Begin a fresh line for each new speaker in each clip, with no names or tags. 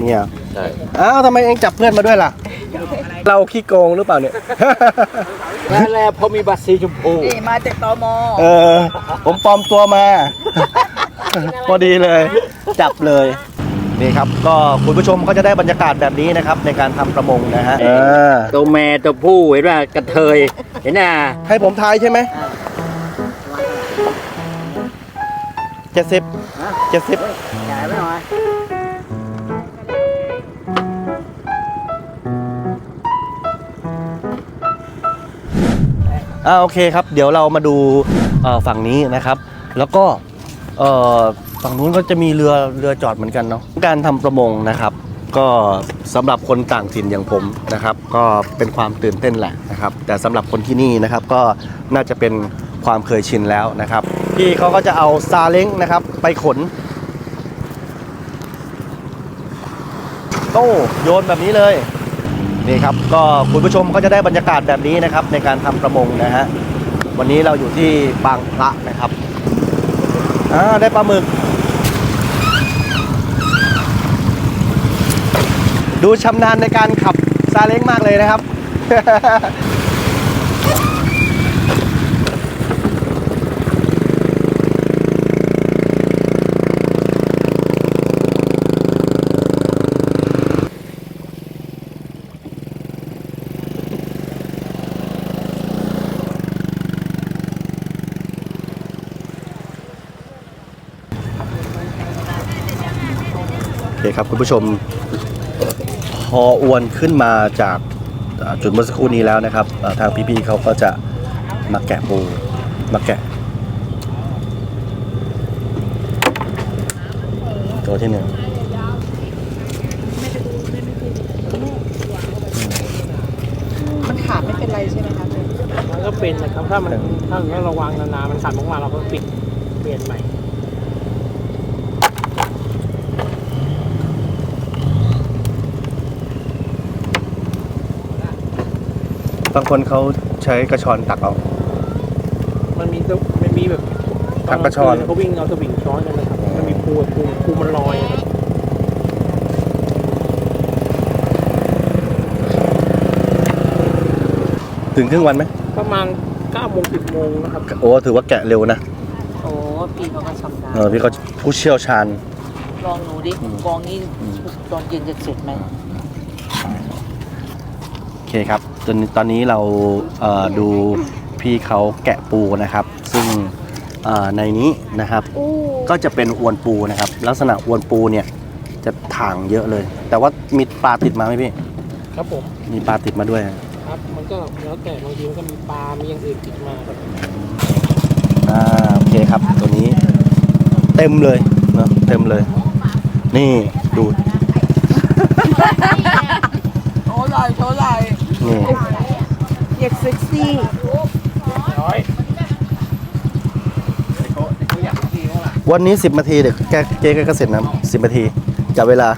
เนี่ย
ใช่
อ้าวทำไมเองจับเพื่อนมาด้วยล่ะ เราขี้โกงหรือเปล่าเนี่ย
แล้วพอมีบัตรสีชมพู
นี่มาจากตม.
ผมปลอมตัวมา พอดีเลย จับเลยนี่ครับก็คุณผู้ชมก็จะได้บรรยากาศแบบนี้นะครับในการทำประมงนะฮะ
ตัวแม่ตัวผู้เห็นว่ากระเทยเห็นน่ะ
ให้ผมทายใช่ไหม70
จ่ายไปหน่อย
โอเคครับเดี๋ยวเรามาดูฝั่งนี้นะครับแล้วก็ฝั่งนู้นก็จะมีเรือจอดเหมือนกันเนาะการทำประมงนะครับก็สำหรับคนต่างถิ่นอย่างผมนะครับก็เป็นความตื่นเต้นแหละนะครับแต่สำหรับคนที่นี่นะครับก็น่าจะเป็นความเคยชินแล้วนะครับพี่เขาก็จะเอาซาเล้งนะครับไปขนโต้โยนแบบนี้เลยนี่ครับก็คุณผู้ชมก็จะได้บรรยากาศแบบนี้นะครับในการทำประมงนะฮะวันนี้เราอยู่ที่บางพระนะครับได้ปลาหมึกดูชำนาญในการขับซาเล้งมากเลยนะครับ โอเคครับคุณผู้ชมพออวนขึ้นมาจากจุดเมื่อสักครู่นี้แล้วนะครับทางพี่ๆเขาก็จะมาแกะปูมาแกะตัวที่หนึ่ง
มันขาดไม่เป็นไรใช่ไหมครับ
มันก็เป็นนะครับถ้าเราระวังนานๆมันขาดออกมาเราก็ปิดเปลี่ยนใหม่
บางคนเขาใช้กระชอนตักเอา
มันมีแบบ
ตักกระชอน
เขาวิ่งเอาสวิงช้อนกันนะครับมันมีปูมันลอยครับ
ถึงครึ่งวันไหม
ประมาณ9 โมง 10 โมงนะครับ
โอ้ถือว่าแกะเร็วนะ
โอ้พี่เขาก็ชำนาญ
พี่เขาผู้เชี่ยวชาญ
ลองหนูดิกองนี้ตอนเย็นจะเสร็จไหม
โอเคครับตอนนี้เราดูพี่เขาแกะปูนะครับซึ่งในนี้นะครับก็จะเป็นอวนปูนะครับลักษณะอวนปูเนี่ยจะถ่างเยอะเลยแต่ว่ามีปลาติดมาไหมพี่
ครับผม
มีปลาติดมาด้วย
ครับมันก็แล้วแต่บางทีมันก็มีปลามีอย่างอื่นติดมาครับ
โอเคครับตัวนี้เต็มเลยเนาะเต็มเลยนี่ดู
โชว์ไหล่โชว์ไหล่
นี่
เด็กเซ็กซี่
วันนี้10 นาทีเดี๋ยวเจ๊ก็เสร็จนะ10 นาทีจับเวลา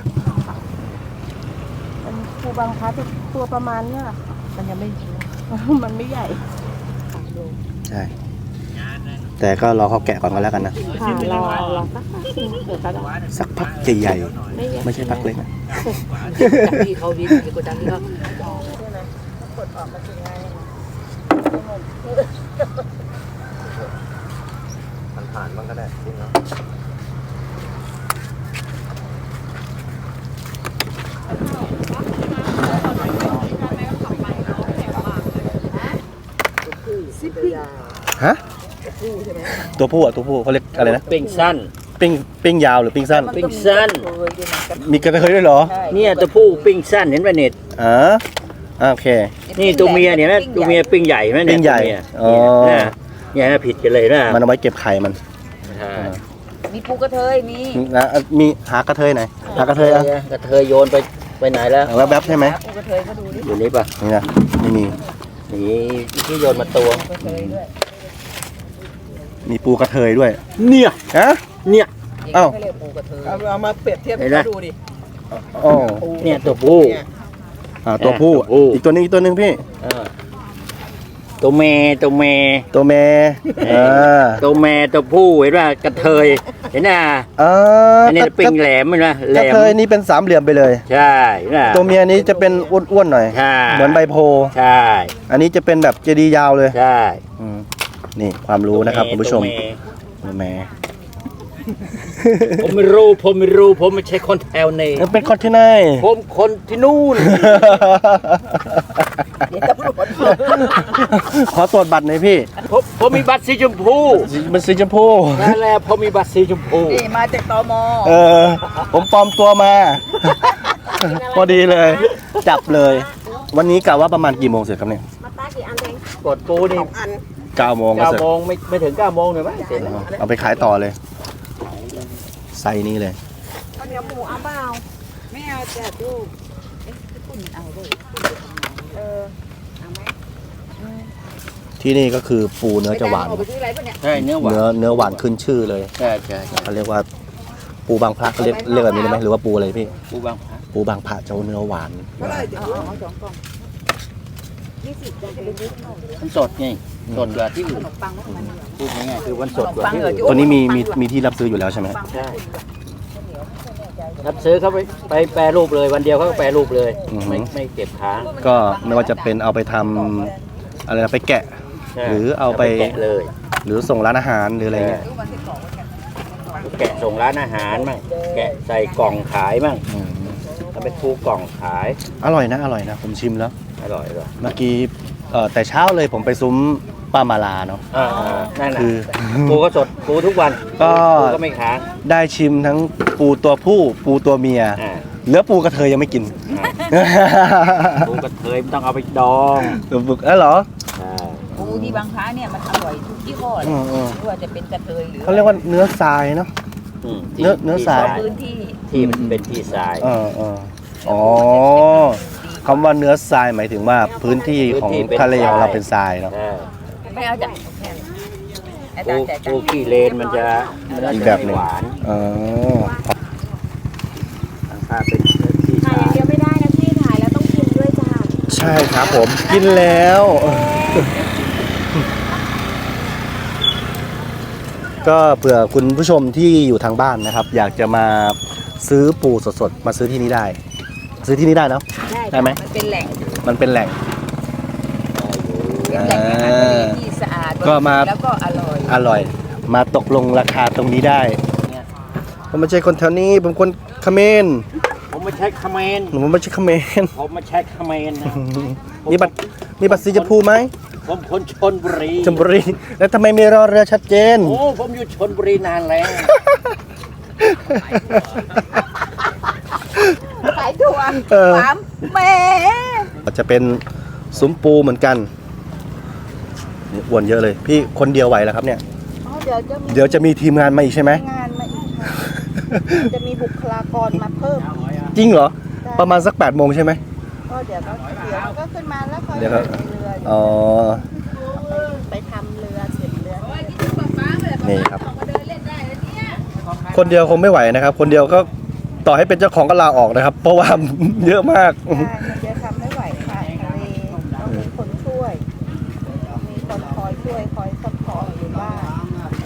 ปูบางพระตัวประมาณเนี้ยมันยังไม่มันไม่ใหญ่
ใช่แต่ก็รอเขาแกะก่อนก็แล้วกันนะ
รอ
สักพักใหญ่ๆไม่ใช่พักเล็กนะ
พี่เขาดีกว่าจังนี่ก็กดออกมาถึงไง
ผ่านบ้างก็ได้จริงเนาะฮะตัวผู้ตัวผู้เขาเรียกอะไรนะ
ปิ้งสั้น
ปิ้งยาวหรือปิ้งสั้น
ปิ้งสั้น
มีกระเทยด้วยเหรอ
เนี่ยตัวผู้ปิ้งสั้นเห็นไหมเน็ต
โอเค
นี่ตัวเมียเนี่ยนะตัวเมียปิ้งใหญ่ไหมเนี่ย
ปิ้งใหญ่
เนี่ยผิดกันเลยนะ
มันเอาไว้เก็บไข่มัน
มีปูกระเทย
มีหากระเทยไหนหากระเทย
กระเทยโยนไปไหนแล้ว
แวบใช่ไหม
ปูกระเทยก็ดูดิ
อยู่นี่ป่ะ
นี่นะไม่มี
นี่ที่โยนมาตัว
มีปูกระเทยด้วย
เนี่ย
เนี่ย
เอามาเปรียบเทียบให้ดูดิ
เนี่ยตัวผู้
ตัวผู้อีกตัวนึงพี่
ตัวเมย์ตัวเมย์
ตัวแม่อ่า
ตัวแม่ตัวผู้เห็นว่ากระเทยเห็นน่ะ
อ่า
อันนี้ปิงแหลมมันนะแหล
กระ
ม
เทยนี่เป็นสามเหลี่ยมไปเลย
ใช่น่ะ
ตัวเมียนี้จะเป็นอ้วนๆหน่อย
ใช่
เหมือนใบโพ
ใช่
อันนี้จะเป็นแบบเจดีย์ยาวเลย
ใช่
อืมนี่ความรู้นะครับคุณผู้ชม
ตัวเย์
ตัวแม่
ผมไม่รู้ผมไม่ใช่คนแถวนี้
แล้วเป็นคนที่ไหน
ผมคนที่นู่น
เดี๋ยวตำรวจ
ขอตรวจบัตรหน่อยพี่
ผมมีบัตรสีชมพู
มันสีชมพู
นั่นแหละผมมีบัตรสีชมพู
นี่มาจากตม
เออ ผมปลอมตัวมา พอดีเลย จับเลย วันนี้กะว่าประมาณกี่โมงเสร็จครับเนี่ย
กดปูนี่
9 โมงก็เสร็จ
9 โมงไม่ถึง 9 โมงเลยมั้ยเสร็จแล้ว
เอาไปขายต่อเลยไซส์นี้เลย
ข้าวเหนียวหมูเอาเปล่าไม่เอาจ้ะดูพี่ปุ่นเอาด้วยเออเอาไหม
ที่นี่ก็คือปูเนื้อจะหวาน
ไปซื้ออะไรปะเนี่ย
ใช่เนื้อหวาน
เนื้อหวานขึ้นชื่อเลย
ใช่ใช่
เขาเรียกว่าปูบางพระเขาเรียกแบบนี้ได้ไหมหรือว่าปูอะไรพี่
ปูบางพระ
ปูบางพระเจ้าเนื้อหวาน
เอา2 กล่อง20จะเป็นนิดหน่อย
มันสดไงสดกว่าที่
ข
อื่น
นมปังมัน
พูดง่ายๆคือมันสดกว่าที่อื่น
ตัวนี้มีที่รับซื้ออยู่แล้วใช่ไหม
ใช่รับซื้อเขาไปแปรรูปเลยวันเดียวเขาก็แปรรูปเลยไม่เก็บค้าง
ก็ไม่ว่าจะเป็นเอาไปทำอะไรนะไปแกะ
ใช่
หรือเอาไป
แกะเลย
หรือส่งร้านอาหารหรืออะไรเงี้ย
แกะส่งร้านอาหารมั่งแกะใส่กล่องขายมั่ง
อืม
เอาไปทูกล่องขาย
อร่อยนะผมชิมแล้ว
อร่อยเลย
เมื่อกี้แต่เช้าเลยผมไปซุ้มป้ามาลาเนาะ
นั่นน่ะ
คือ
ปูก็สดปูทุกวัน
ก็
ปูก็ไม่ค้าง
ได้ชิมทั้งปูตัวผู้ปูตัวเมีย
อ่า
เหลือปูกระเทยยังไม่กิน
ปูกระเทยไม่ต้องเอาไปดอง
ตัวบึกแล้วเหรอ
ใช่
ปูที่บางค้าเนี่ยมันอร่อยทุกยี่ห้อเลย
อืม
ไม่ว่าจะเป็นกระเทยหรือ
เขาเรียกว่าเนื้อทรายเนาะ
ที่
เนื้อทราย
พื้นที่
ที่มันเป็นที่ทราย
อ๋อคำว่าเนื้อทรายหมายถึงว่าพื้นที่ของทะเลของเราเป็นทรายเนาะ
ใช่
ไม่เอาจ้ะไอ้
ปู
ตาแจก
ปูขี้เลนมันจะ
อีกแบบหนึ่ง
หวาน
อ๋อ
ถ้าเป็นที่ท
ถ่ายอ
รา
ย่าง
ย
เดียวไม่ได้นะพี่ถ่ายแล้วต้องกินด้วยจ้า
ใช่ครับผมกินแล้ว ก็เผื่อคุณผู้ชมที่อยู่ทางบ้านนะครับ อยากจะมาซื้อปูสดๆมาซื้อที่นี่ได้ ซื้อที่นี่ได้เนาะ ได้ไหม
มันเป็นแหล่ง
มันเป็นแหล่ง
เป็นแหล่งอาหารทะเลที่สะอาด
ก็มา
แล้วก็อร่อย
อร่อย มาตกลงราคาตรงนี้ได้ ผมไม่ใช่คนแถวนี้ผมคนเขมร
ผมไม่ใช่เขมร
ผมไม่ใช่เขมร
ผมไม่ใช่เขมรนะ
มีบัตรสีชมพูไหม
ผมคนชนบุรี
ชลบุรีแล้วทำไมมีรอเรือชัดเจน
โอ้ผมอยู่ชนบุรีนานแล้ว
ขายถั่ว
เออ
สามแม่
จะเป็นซุ้มปูเหมือนกันนี่อ้วนเยอะเลย พี่คนเดียวไหวแล้วครับเนี่ย
อ๋อเดี๋ยวจะมี
เดี๋ยวจะมีทีมงานมาอีกใช่ไหม
งานมาอีกค่ะจะมีบุคลากรมาเพิ่ม
จริงเหรอ ประมาณสัก8 โมงใช่ไหม
ก็เดี๋ยวก็ขึ้นมาแล้วก็
เดี๋ยวก็
ไปเรือ
อ๋อ
ไปทำเรือเสร็จเรือ
นี่ครับ คนเดียวคงไม่ไหวนะครับ คนเดียวก็ต่อให้เป็นเจ้าของก็ลาออกนะครับ เพราะว่า เยอะมาก
ใช่มันจะทำไม่ไหวค่ะทะเลต้องมีคนช่วย มีคนคอยช่วยคอยซัพพอร์ตอยู่บ้าน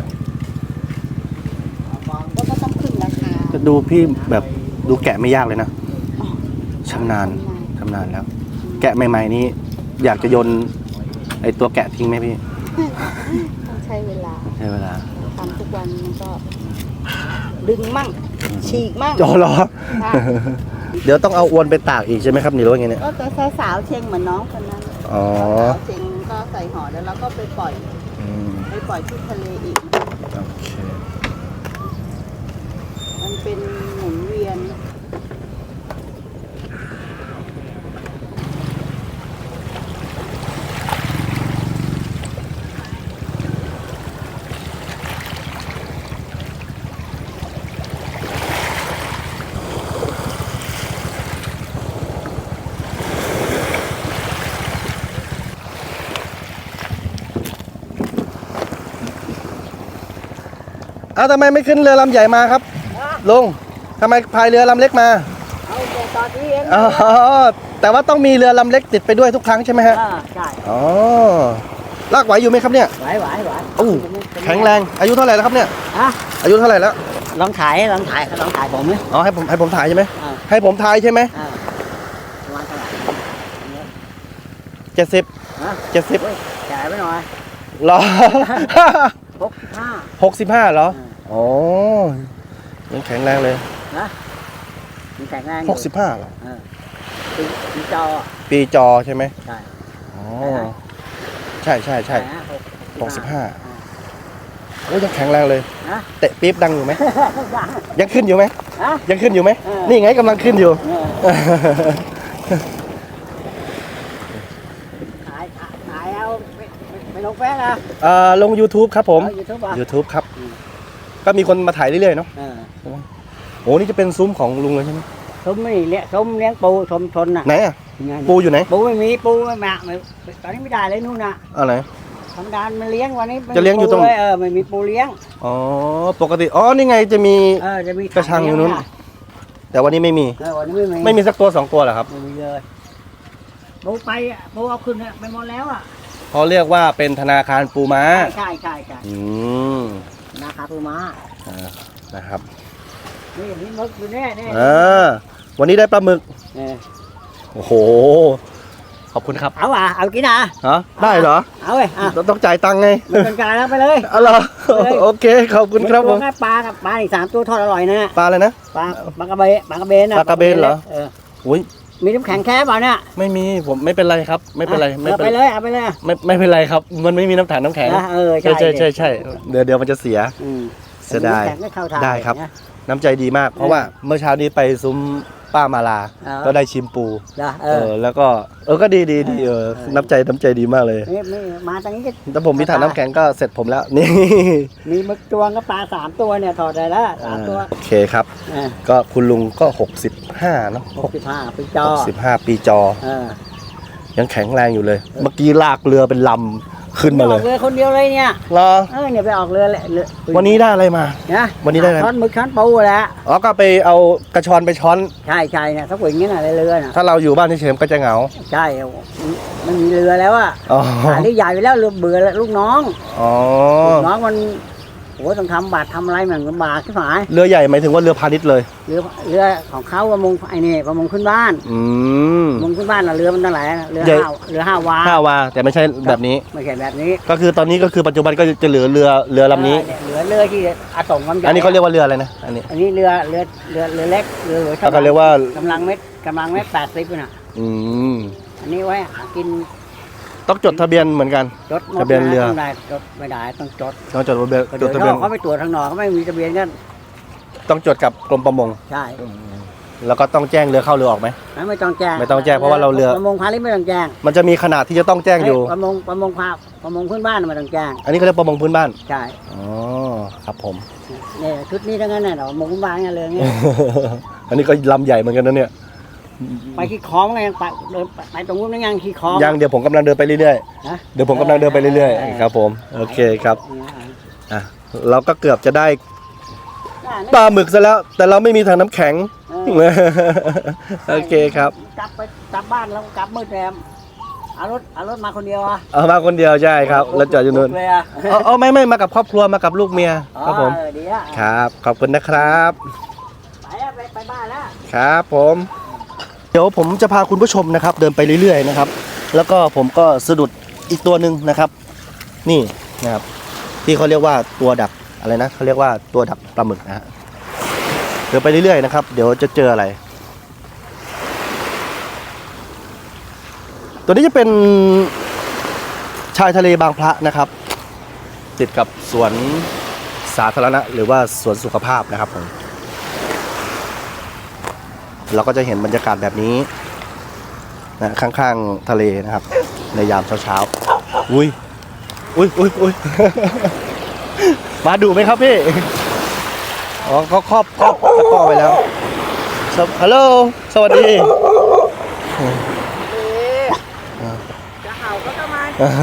แล้วก็ต้องขึ้นราคา
จะดูพี่แบบดูแกะไม่ยากเลยนะชำนาญแล้ว แกะใหม่ๆนี้อยากจะโยนไอตัวแกะทิ้งไหมพี่
ต้องใช้เวลา
ใช้เวลา
ทำทุกวันมันก็ ดึงมั่ง ฉีกมั่ง
จอเหรอ
ค่ะ
เดี๋ยวต้องเอาอวนไปตากอีกใช่ไหมครับนี่หรือว่าไงเนี่ย
ก็จะใช้สาวเชงเหมือนน้องคนนั้น
อ๋อ
สาวเชงก็ใส่ห่อแล้วเราก็ไปปล่อย
อืม
ไปปล่อยที่ทะเลอีก
โอเค
มันเป็นหมุนเวียน
เอาทำไมไม่ขึ้นเรือลำใหญ่มาครับลุงทำไมพายเรือลำเล็กมา
เอาบอก
จอดที่เอง
อ๋อแต่ว่าต้องมีเรือลำเล็กติดไปด้วยทุกครั้งใช่ไหมฮะ
ใช่
อ๋อลากไหวอยู่ไหมครับเนี่ย
ไหว
โอ้แข็งแรงอายุเท่าไหร่แล้วครับเนี่ย
ฮะ
อายุเท่าไหร่แล้ว
ลองถ่ายผมไหม
อ๋อให้ผมถ่ายใช่ไหม
อ่า
ให้ผมถ่ายใช่ไหม
ประมาณเท่าไหร่
70
ฮะ
70
เฮ้ยจ่ายไปหน่อย
เหรอ
65
65เหรออ๋อยังแข็งแรงเลย
นะมีแข็งแรง
65เหรอ
ปีจอ
ปีจอใช่ไหม
ใช่
อ๋อใช่65โอ้ยังแข็งแรงเลย
นะ
เตะปี๊บดังอยู่ไหมยังขึ้นอยู่ไหม
ฮะ
ยังขึ้นอยู่ไหม
เออ
นี่ไงกำลังขึ้นอยู่
ถ่ายเอาไปลงแฟนนะ
ลง YouTube ครับผม
ยูทูบอ่ะ
YouTube ครับ ก็มีคนมาถ่ายเรื่อยๆเนาะ
เออ
โอ้นี่จะเป็นซุ้มของลุงเลยใช่ไหม
ซุ้มนี่เลี้ยงซุ้มเลี้ยงปูชมชนน่ะ
ไหนอ่ะ
ยังไง
ปูอยู่ไหน
ปูไม่มีปูไม่มาตอนนี้ไม่ได้เลยนู่นน่ะ
อะไร
ธรรมดามันเลี้ยงวันนี้ไม่มี
จะเลี้ยงอยู่ตรง
ปูเลไม่มีปูเลี้ยง
อ๋อปกติอ๋อนี่ไงจะมี
จะมี
กระชังอยู่นู้น แต่วันนี้ไม่มี
วันนี้ไม่มี
ไม่มีสักตัว2ตัวเหรอครับ
ไม่มีเลยปูไปปูเอาขึ้นไปหมดแล้วอ่ะ
เขาเรียกว่าเป็นธนาคารปูม้า
ใช่
อืม
นาคาปูม้า
นะครับ
นี่มึกอยู่แน่
วันนี้ได้ปลาหมึก
เออ
โอ้โห ขอบคุณครับ
เอากินอ่ะ
ฮะได้เหรอ
เอาเลย
ต้องจ่ายตังค์ไง
มันเป็นการแล้วไปเลย
อ๋อเหรอโอเคขอบคุณครับผม
ปลากับปลาอีก3 ตัวทอดอร่อยนะ
ปลาอะไรนะ
ปลากระเบนนะ
ปลากระเบนเหรอ อุ้ย
มีน้ำแข็งแค่เปล่าเนี่ย
ไม่มีผมไม่เป็นไรครับ ไม่เป็นไร
เอาไปเลยเอาไปเลย
ไม่เป็นไรครับ มันไม่มีน้ำถังน้ำแข็ง
ใช่
ใช่เดี๋ยวมันจะเสีย เสียดาย
น้ำแข็งไม่เข้าทาง
ได้ครับ
นะ
น้ำใจดีมาก เพราะว่าเมื่อเช้านี้ไปซุ้มป้ามาลา ก็ได้ชิมปู แล้วก็ก็ดีน้ำใจดีมากเลย
ไม่มาตรงนี้ก็
ถ้าผมมีถังน้ำแข็งก็เสร็จผมแล้ว นี่
มีมึกจวงกับปลา3 ตัวเนี่ยถอดได้แล้ว3 ตัว
โอเคครับ ก็คุณลุงก็65เนาะ
65ปีจอ
65 ปีจอ
เออ
ยังแข็งแรงอยู่เลย เมื่อกี้ลากเรือเป็นลำขึ้นมาเลย
ออกเรือคนเดียวเลยเนี่ย
เหรอ
เนี่ยไปออกเรือแหละ
วันนี้ได้อะไรมา
นะ
วันนี้ได้อะไร
ช้อนมึกช้อนปูแหละ
อ๋อก็ไปเอากระชอนไปช้อน
ใช่เนี่ยถ้าอย่างนี้น่ะเรือน่ะ
ถ้าเราอยู่บ้านเฉยๆก็จะเหงา
ใช่มันมีเรือแล้วอ่ะ
อ๋อ
หาเรือใหญ่ไปแล้วเรือเบื่อแล้วลูกน้อง
อ๋อ
ลูกน้องมันโอ้ต้องทำบาตรทำอะไรมันลำบากที่หาย
เรือใหญ่หมายถึงว่าเรือพาณิชย์เลย
เรือของเขาประมงประมงขึ้นบ้าน ประมงขึ้นบ้านน่ะเรือมันตั้งหลายเรือ
ใหญ่
5 วา
5 วาแต่ไม่ใช่แบบนี้
ไม่ใช่แบบนี้
ก็คือตอนนี้ก็คือปัจจุบันก็จะเหลือเรือลำนี้
เหลือเรือที่อาส่งความใหญ่
อันนี้เขาเรียกว่าเรืออะไรนะอันนี้
อันนี้เรือเล็กเรือหลวง
เขาก็เรียกว่า
กำลังเม็ด80น่ะ
อืม
อันนี้ไว้หากิน
ต้องจดทะเบียนเหมือนกัน
จดหมด
ทะเบียนเรือ
ต้องได้จดไม่ได้ต้องจด
ต้องจดทะเบียน
เดี๋ยว
ทะเบียน
เขาไปตรวจทางนอกเขาไม่มีทะเบียนกัน
ต้องจดกับกรมประมง
ใช่
แล้วก็ต้องแจ้งเรือเข้าเรือออกไหม
ไม่ต้องแจ้ง
ไม่ต้องแจ้งเพราะว่าเราเรือ
ประมงพาณิชย์ไม่ต้องแจ้ง
มันจะมีขนาดที่จะต้องแจ้งอยู่
ประมงพื้นบ้านไม่ต้องแจ้ง
อันนี้เขาเรียกประมงพื้นบ้าน
ใช่
อ๋อครับผม
เนี่ยชุดนี้ทั้งนั้นน่ะประมงพื้นบ้านเนี่ยเลยเนี่ย
อันนี้ก็ลำใหญ่เหมือนกันนะเนี่ย
ไปขี่คลองไงไปเดินไปตรงนู้นนั่งยังขี่คลอง
ยังเดี๋ยวผมกำลังเดินไปเรื่อย
นะ
ๆ เดี๋ยวผมกำลังเดินไปเรื่อยๆ ครับผม โอเคครับ อ่ะ เราก็เกือบจะได้ปลาหมึกซะแล้ว แต่เราไม่มีถังน้ำแข็ง โอเคครับ
กลับบ้านแล้วกลับมืดแรมเอารถมาคนเดียวอ่ะ
เอามาคนเดียวใช่ครับ แล้วจอดอยู่นู่น
เลยอ่ะ
เอาไม่มากับครอบครัวมากับลูกเมีย ครับผม
ดีอ่ะ
ครับ ขอบคุณนะครับ
ไปบ้านแล้ว
ครับผม เดี๋ยวผมจะพาคุณผู้ชมนะครับ เดินไปเรื่อยๆนะครับ แล้วก็ผมก็สะดุดอีกตัวหนึ่งนะครับ นี่นะครับที่เขาเรียกว่าตัวดักอะไรนะเขาเรียกว่าตัวดักปลาหมึกนะฮะเดินไปเรื่อยๆนะครับ เดี๋ยวจะเจออะไร ตัวนี้จะเป็นชายทะเลบางพระนะครับ ติดกับสวนสาธารณะหรือว่าสวนสุขภาพนะครับผมเราก็จะเห็นบรรยากาศแบบนี้นะข้างๆทะเลนะครับ ในยามเช้าๆอุ้ย มาดูไหมครับพี่ อ๋อเขาครอบตะกร้อไว้แล้วฮัลโหลสวัสดี
จะเห่าก็ต้องมา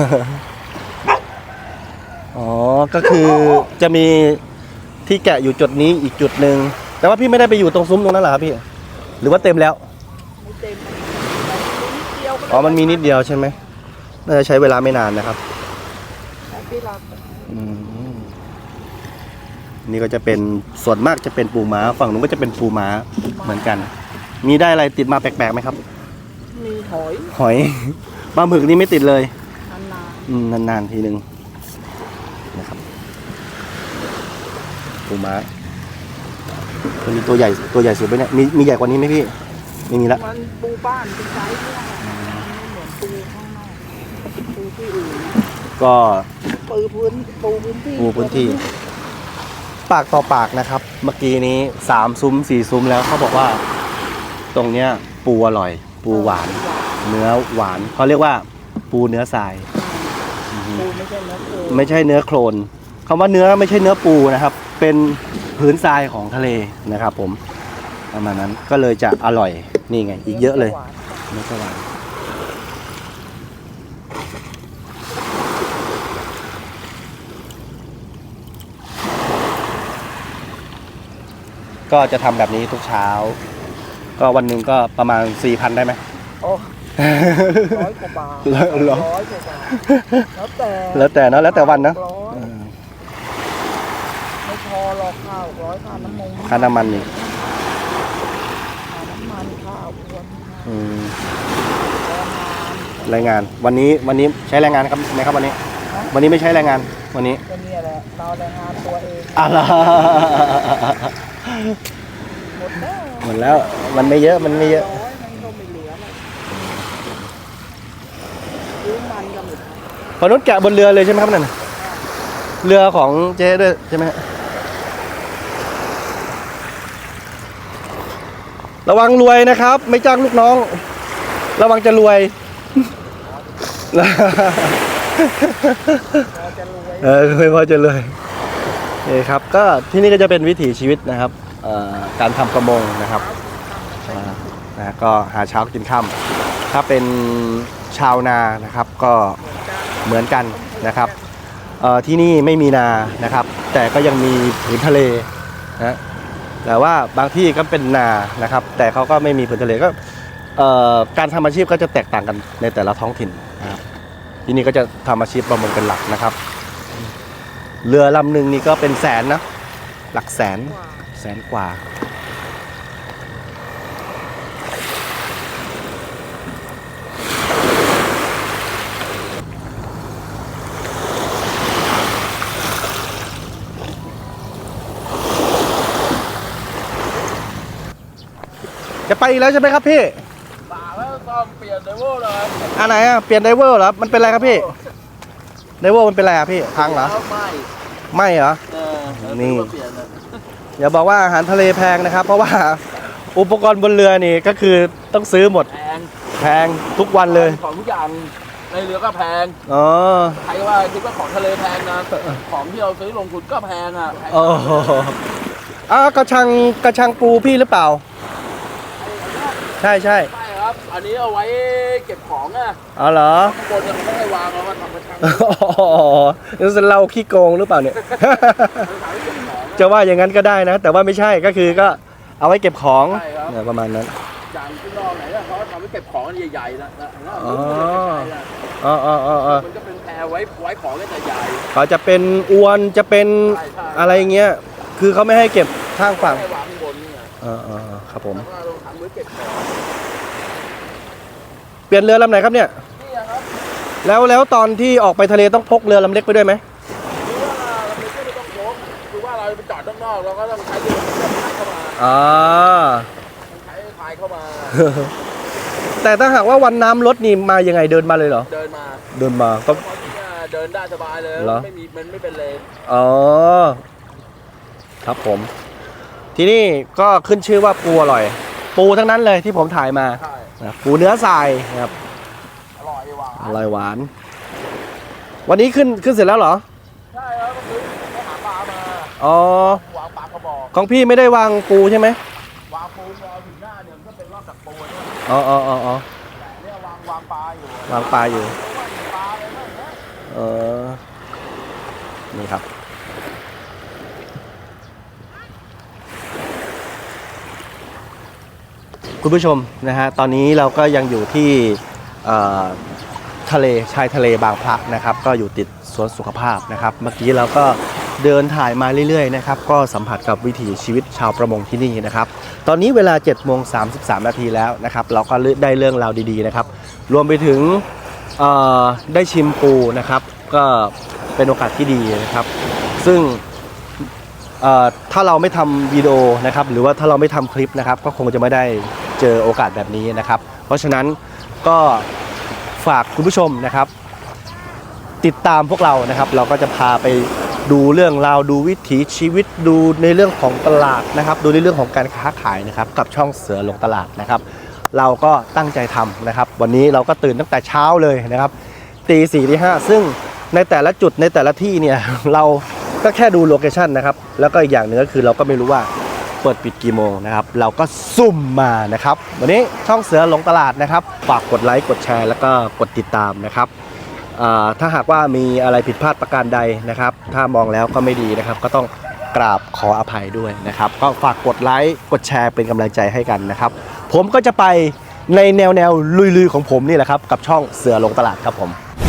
อ๋อก็คือจะมีที่แกะอยู่จุดนี้อีกจุดหนึ่งแต่ว่าพี่ไม่ได้ไปอยู่ตรงซุ้มตรงนั้นเหรอครับพี่หรือว่าเต็มแล้ว
ไม่เต็มมันนิดเดียวก็
อ๋อมันมีนิดเดียวใช่ไหมน่าจะใช้เวลาไม่นานนะครับ
พี่รัก
อืมนี่ก็จะเป็นส่วนมากจะเป็นปูม้าฝั่งนู้นก็จะเป็นปูม้าเหมือนกัน มีได้อะไรติดมาแปลกๆไหมครับ
มีหอย
หอย ปลาหมึกนี่ไม่ติดเลย
นาน
นานๆทีนึงนะครับปูม้าตัวนี้ตัวใหญ่สุดไหมเนี่ยมีใหญ่กว่านี้ไหมพี่ไม่มีละ
ๆมันปูบ้านเป็นไซส์เนี่ยมันไม่เหมือนปูข้างนอกปูที่อื่น
ก็
ปูพื้นที่
ปูพื้นที่ ปากต่อปากนะครับ เมื่อกี้นี้3 ซุ้ม 4 ซุ้มแล้วเขาบอกว่า ตรงเนี้ยปูอร่อย ปูหวาน เนื้อหวานเขาเรียกว่าปูเนื้อทราย
ปูไม่ใช่เนื้อปู
ไม่ใช่เนื้อโคลนคำว่าเนื้อไม่ใช่เนื้อปูนะครับ เป็นพื้นทรายของทะเลนะครับ ผมประมาณนั้นก็เลยจะอร่อยนี่ไง อีกเยอะเลยเนื้อสวรรค์ก็จะทำแบบนี้ทุกเช้า ก็วันหนึ่งก็ประมาณ 4,000 ได้ไหม
โอ้100 กว่าบาท
ร้อย
100 กว่าบาทแล้วแต่
แล้วแต่เนอะแล้วแต่วันเนอะ
ร้อยไม่พอหรอกข้าว100ค่าน้ำมัน
ค่าน้ำมันนี่
ค่าน้ำมันข้าวอ้วน
อืม
แรงงาน
แรงงานวันนี้ใช้แรงงานครับไหมครับวันนี้ วันนี้ไม่ใช้แรงงานวันนี้
ก็เนี่ยแหละเราแรงงานตัวเอง
อะไร
หมดแล้ว
หมดแล้วมันไม่เยอะมันไม่เยอะ
ร้อยมันก็ไม่เหลือเลยซื้อมันก็หมด
พอนุชแกะบนเรือเลยใช่ไหมครับนั่นน่ะเรือของเจ๊ด้วยใช่ไหมฮะระวังรวยนะครับ ไม่จ้างลูกน้อง ระวังจะรวย
พอจะรวย
ไม่พอจะรวยนี่ครับก็ที่นี่ก็จะเป็นวิถีชีวิตนะครับการทำประมงนะครับนะก็หาเช้ากินค่ำถ้าเป็นชาวนานะครับก็เหมือนกันนะครับที่นี่ไม่มีนานะครับ แต่ก็ยังมีผืนทะเลนะแต่ว่าบางที่ก็เป็นนานะครับ แต่เขาก็ไม่มีผืนทะเลก็การทำอาชีพก็จะแตกต่างกันในแต่ละท้องถิ่นนะครับที่นี่ก็จะทำอาชีพประมงเป็นหลักนะครับ เรือลำหนึ่งนี่ก็เป็นแสนนะหลักแสนกว่าจะไปอีกแล้วใช่ไหมครับพี่
ป่าแล้วต้องเปลี่ยนไดเวอร์เลย
อันไหนอ่ะเปลี่ยนไดเวอร์เหรอมันเป็นอะไรครับพี่ไดเวอร์มันเป็นอะไรอ่ะพี่พังเหรอ ไม่เหรอ นี่
เปลี่ยนเลย
อย่าบอกว่าอาหารทะเลแพงนะครับ เพราะว่าอุปกรณ์บนเรือนี่ก็คือต้องซื้อหมด แพงทุกวันเลย
ของทุกอย่างในเรือก็แพง
อ๋อ
ใครว่าคิดว่าของทะเลแพงนะของที่เราซื้อลงทุนก็แพงอ่ะแพง
โอ้โหกระชังปูพี่หรือเปล่า ใช่
ใช่ครับ อันนี้เอาไว้เก็บของอ่ะ
อ๋อเหรอ
ข้างบนเนี่ยเขาไม่ให้วางเอามาทำกระชัง
นี่จะเราขี้โกงหรือเปล่าเนี่ย จะว่าอย่างนั้นก็ได้นะ แต่ว่าไม่ใช่ก็คือก็เอาไว้เก็บของเนี่ยประมาณนั้น
อย่างที่นอกไหนอะเขาทำไว้เก็บของใหญ่ๆนะ
อ๋อ
อ๋อ
อ๋อ
มันก็เป็นแพรไว้ของเล่นใหญ่
เขาจะเป็นอวนจะเป็น
ใช่
อะไรเงี้ยคือเขาไม่ให้เก็บข้างฝั่ง
ให้วางข้างบนนี่ไง
ครับผม
แล้วก็เราทำไว้เก็บของ
เปลี่ยนเรือลำไหนครับเนี่ย
นี่อะครับ
แล้วตอนที่ออกไปทะเลต้องพกเรือลำเล็กไปด้วยไหม
คือว่าเราไม่ต้องพกคือว่าเราไปจอดข้างนอกเราก็ต้องใช้เรือพายเข้ามา
อ่า
ใช้พายเข้ามา
แต่ถ้าหากว่าวันน้ำลดนี่มายังไงเดินมาเลยเหรอ
เดินมา
เดินมาก็
ตอนนี้เดินได้สบายเลย
เหรอ
มันไม่เป็นเลน
อ๋อครับผม ที่นี่ก็ขึ้นชื่อว่าปูอร่อย ปูทั้งนั้นเลยที่ผมถ่ายมา
ใช่
นะปูเนื้อทรายนะครับ
อร่อยหวาน
อร่อยหวาน วันนี้ขึ้นเสร็จแล้วเหรอ
ใช่ครับก็คือเขาหาปลามา
อ๋อ
วางปลากระบอก
ของพี่ไม่ได้วางปูใช่ไหม
วางปูวางถึงหน้าเนี่ยมันก็เป็นรอบจากปูเนี่ย
อ๋อ
แต่เนี่ยวางปลาอยู่
วางปลาอยู่
เพราะว่ามีปลาอะไรบ้างนะ
นี่ครับคุณผู้ชมนะฮะตอนนี้เราก็ยังอยู่ที่ทะเลชายทะเลบางพระนะครับก็อยู่ติดสวนสุขภาพนะครับเมื่อกี้เราก็เดินถ่ายมาเรื่อยๆนะครับก็สัมผัสกับวิถีชีวิตชาวประมงที่นี่นะครับตอนนี้เวลา 7:33 นาทีแล้วนะครับเราก็ได้เรื่องราวดีๆนะครับรวมไปถึงได้ชิมปูนะครับก็เป็นโอกาสที่ดีนะครับซึ่งถ้าเราไม่ทำวิดีโอนะครับหรือว่าถ้าเราไม่ทำคลิปนะครับก็คงจะไม่ได้เจอโอกาสแบบนี้นะครับเพราะฉะนั้นก็ฝากคุณผู้ชมนะครับติดตามพวกเรานะครับเราก็จะพาไปดูเรื่องราวดูวิถีชีวิตดูในเรื่องของตลาดนะครับดูในเรื่องของการค้าขายนะครับกับช่องเสือหลงตลาดนะครับเราก็ตั้งใจทำนะครับวันนี้เราก็ตื่นตั้งแต่เช้าเลยนะครับตี 4 ตี 5ซึ่งในแต่ละจุดในแต่ละที่เนี่ยเราก็แค่ดูโลเคชั่นนะครับแล้วก็อีกอย่างหนึ่งก็คือเราก็ไม่รู้ว่าเปิดปิดกี่โมงนะครับเราก็ซุ่มมานะครับวันนี้ช่องเสือหลงตลาดนะครับฝากกดไลค์กดแชร์แล้วก็กดติดตามนะครับถ้าหากว่ามีอะไรผิดพลาดประการใดนะครับถ้ามองแล้วก็ไม่ดีนะครับก็ต้องกราบขออภัยด้วยนะครับก็ฝากกดไลค์กดแชร์เป็นกำลังใจให้กันนะครับผมก็จะไปในแนวลุยๆของผมนี่แหละครับกับช่องเสือหลงตลาดครับผม